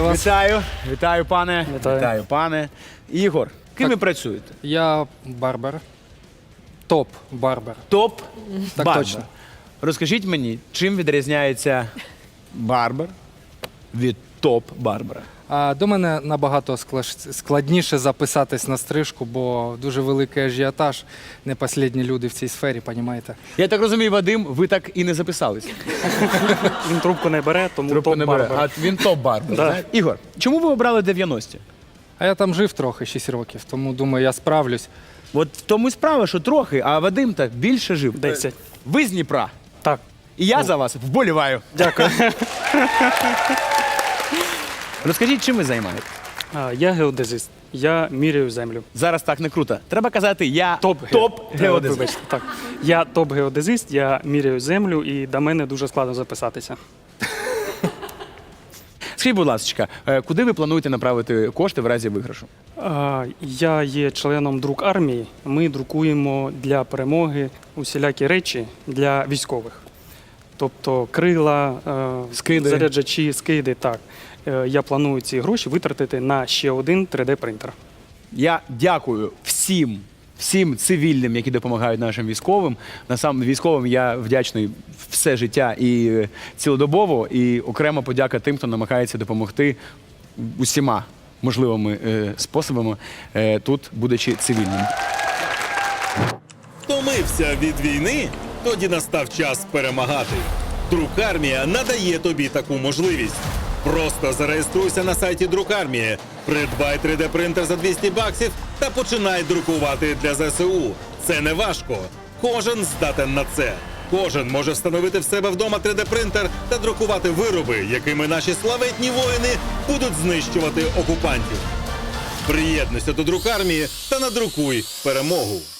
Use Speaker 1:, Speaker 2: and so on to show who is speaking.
Speaker 1: вас.
Speaker 2: Вітаю, пане.
Speaker 3: Вітаю.
Speaker 2: Пане. Ігор, ким ви працюєте?
Speaker 1: Я барбер. Топ-барбер. Так
Speaker 2: Топ-барбер.
Speaker 1: точно.
Speaker 2: Розкажіть мені, чим відрізняється барбер від топ-барбера?
Speaker 1: А до мене набагато складніше записатись на стрижку, бо дуже великий ажіотаж. Не останні люди в цій сфері, розумієте?
Speaker 2: Я так розумію, Вадим, ви так і не записалися.
Speaker 3: Він трубку не бере, тому
Speaker 2: Трубку не бере. А він топ-барбер.
Speaker 3: Да.
Speaker 2: знаєте? Ігор, чому ви обрали 90-ті?
Speaker 1: А я там жив трохи, 6 років, тому думаю, я справлюсь.
Speaker 2: От в тому і справа, що трохи, а Вадим так більше жив.
Speaker 3: 10.
Speaker 2: Ви з Дніпра.
Speaker 3: Так.
Speaker 2: І я за вас вболіваю.
Speaker 3: Дякую.
Speaker 2: Розкажіть, чим ви займаєтесь?
Speaker 3: Я геодезист. Я міряю землю.
Speaker 2: Зараз так не круто. Треба казати, я
Speaker 3: Топ-геодезист.
Speaker 2: топ-геодезист.
Speaker 3: Так. Я топ-геодезист, я міряю землю, і до мене дуже складно записатися.
Speaker 2: Скажіть, будь ласка, куди ви плануєте направити кошти в разі виграшу?
Speaker 3: Я є членом друк армії. Ми друкуємо для перемоги усілякі речі для військових. Тобто крила,
Speaker 2: Скиди.
Speaker 3: заряджачі, скиди. Так. Я планую ці гроші витратити на ще один 3D-принтер.
Speaker 2: Я дякую всім цивільним, які допомагають нашим військовим. Насам військовим я вдячний все життя і цілодобово, і окремо подяка тим, хто намагається допомогти усіма можливими способами тут, будучи цивільним.
Speaker 4: Втомився від війни? Тоді настав час перемагати. Друкармія надає тобі таку можливість. Просто зареєструйся на сайті Друкармії, придбай 3D-принтер за 200 баксів та починай друкувати для ЗСУ. Це не важко. Кожен здатен на це. Кожен може встановити в себе вдома 3D-принтер та друкувати вироби, якими наші славетні воїни будуть знищувати окупантів. Приєднуйся до Друкармії та надрукуй перемогу.